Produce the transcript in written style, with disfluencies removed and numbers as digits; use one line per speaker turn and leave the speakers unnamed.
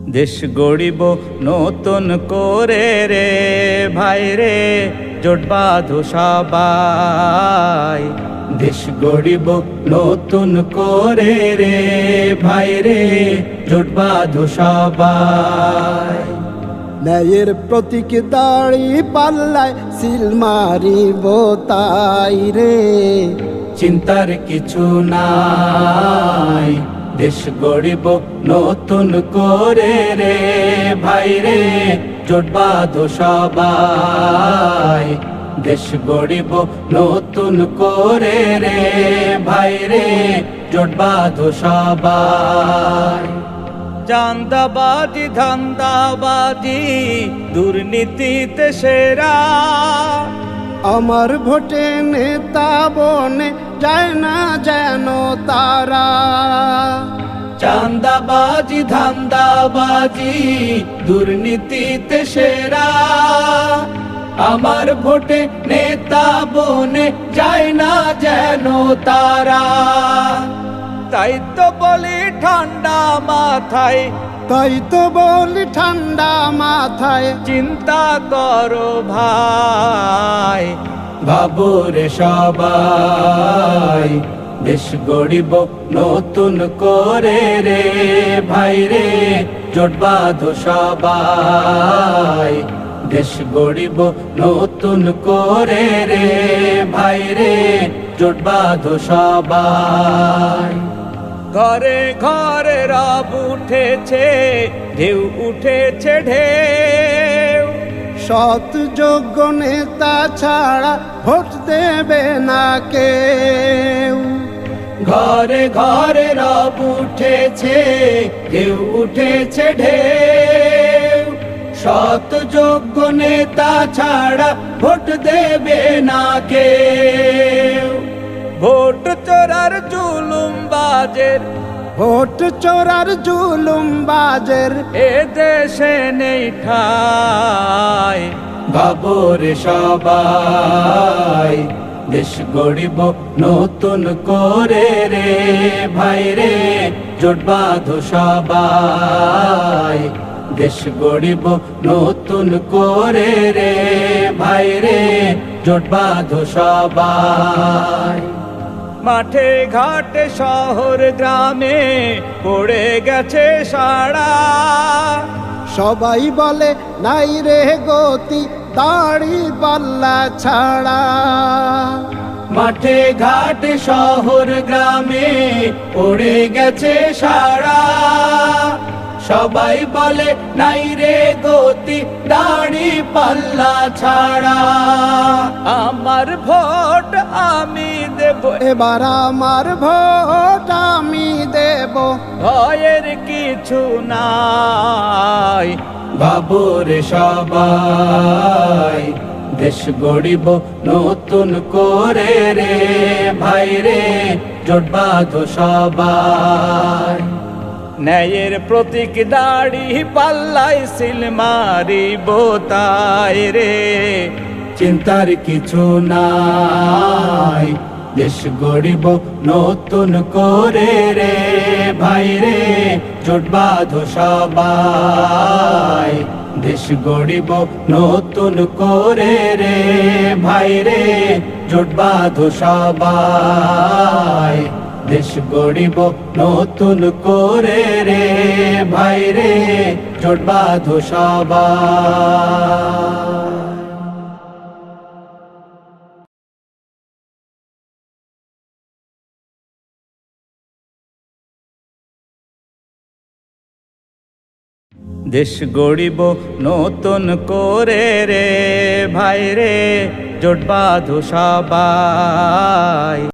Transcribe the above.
দেশ গড়িব নতুন করে রে ভাই রে, জোট বাঁধো সবাই। দেশ গড়িব নতুন করে রে ভাই রে, জোট বাঁধো সবাই।
ন্যায়ের প্রতীক দাড়ি পাল্লায় সিল মারিব তাই রে,
চিন্তার কিছু নাই। দেশ গড়িব নতুন করে রে ভাই রে, জোট বাঁধো সবাই। দেশ গড়িব নতুন করে রে ভাই রে, জোট বাঁধো সবাই। চাঁদাবাজি ধান্দাবাজি দুর্নীতিতে সেরা,
আমার ভোটে নেতা বনে যায় না যেন তারা।
চাঁদাবাজি ধান্দাবাজি দুর্নীতিতে সেরা, আমার ভোটে নেতা বনে যায় না যেন তারা। তাই তো বলি ঠান্ডা মাথায়,
তাই তো বলি ঠান্ডা মাথায়,
চিন্তা করো ভাই। ভাবো রে সবাই, দেশ গড়িব নতুন করে রে ভাই রে, জোট বাঁধো সবাই। দেশ গড়িব নতুন করে রে ভাই রে, জোট বাঁধো সবাই। ঘরে ঘরে রব উঠেছে, ঢেউ উঠেছে ঢেউ,
সৎ যোগ্য নেতা ছাড়া ভোট দেবে না কেউ।
ঘরে ঘরে রব উঠেছে, ঢেউ উঠেছে ঢেউ, সৎ যোগ্য নেতা ছাড়া ভোট দেবে না কেউ। ভোট চোরার জুলুম বাজের,
ভোট চোরার জুলুম বাজের
এ দেশে নেই ঠাই। ভাবো রে সবাই, দেশ গড়িব নতুন করে রে ভাই রে, জোট বাঁধো সবাই। দেশ গড়িব নতুন করে রে ভাই রে, জোট বাঁধো সবাই। মাঠে ঘাটে শহর গ্রামে পড়ে গেছে সাড়া,
সবাই বলে নাই রে গতি দাড়ি পাল্লা ছাড়া।
মাঠে ঘাটে শহর গ্রামে পড়ে গেছে সাড়া, সবাই বলে নাই রে গতি দাড়ি পাল্লা ছাড়া। আমার ভোট আমি দেব,
এবার আমার ভোট আমি দেব,
ভয়ের কিছু নাই। ভাবো রে সবাই, দেশ গড়িব নতুন করে রে ভাই রে, জোট বাঁধো সবাই। ন্যায়ের প্রতীক দাড়ি পাল্লাই সিল মারিব তাই রে, চিন্তার কিছু নাই। দেশ গড়িব নতুন করে রে ভাই রে, জোট বাঁধো সবাই। দেশ গড়িব নতুন করে রে ভাই রে, জোট বাঁধো সবাই। দেশ গড়িব নতুন করে রে ভাই রে, জোট বাঁধো সবাই। দেশ গড়িব নতুন করে রে ভাই রে, জোট বাঁধো সবাই।